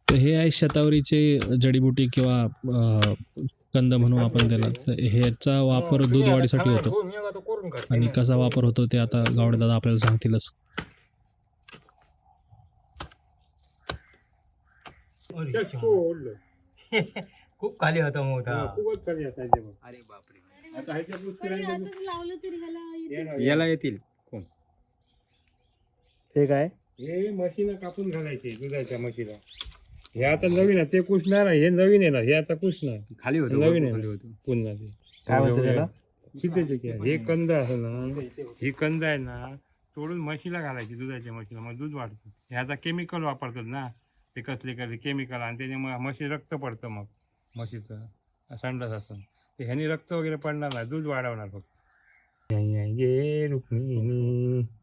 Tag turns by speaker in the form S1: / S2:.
S1: तर हे आहे शतावरीचे जडीबुटी किंवा कंद म्हणू आपण त्याला. तर ह्याचा वापर दूध वाढीसाठी होतो आणि कसा वापर होतो ते आता गावडे दादा आपल्याला सांगतीलच.
S2: खूप खाली होता मोठा.
S3: खूपच खाली असायचे बघ.
S2: अरे बापरे.
S3: आता ह्याच्या पुढची राहिली
S4: असंच लावलं तरी ह्याला
S2: याला येतील कोण?
S5: हे काय
S3: हे म्हशीला कापून घालायचे दुधाच्या म्हशीला. हे आता नवीन आहे ते कुसणार आहे, हे नवीन आहे ना, हे आता कुसणार
S2: खाली होतं
S3: नवीन
S2: खाली
S3: आहे
S2: होतं.
S3: पुन्हा ते
S5: काय म्हणते त्याला?
S3: कितीचे की आहे? हे कंद आहे ना, ही कंद आहे ना तोडून म्हशीला घालायची दुधाच्या म्हशीला, मग दूध वाढतं. हे आता केमिकल वापरतात ना, ते कसले केमिकल, आणि त्याच्यामुळे म्हशी रक्त पडतं, मग म्हशीचं संडास असं ते ह्यानी रक्त वगैरे पडणार नाही, दूध वाढवणार फक्त. रुक्मिणी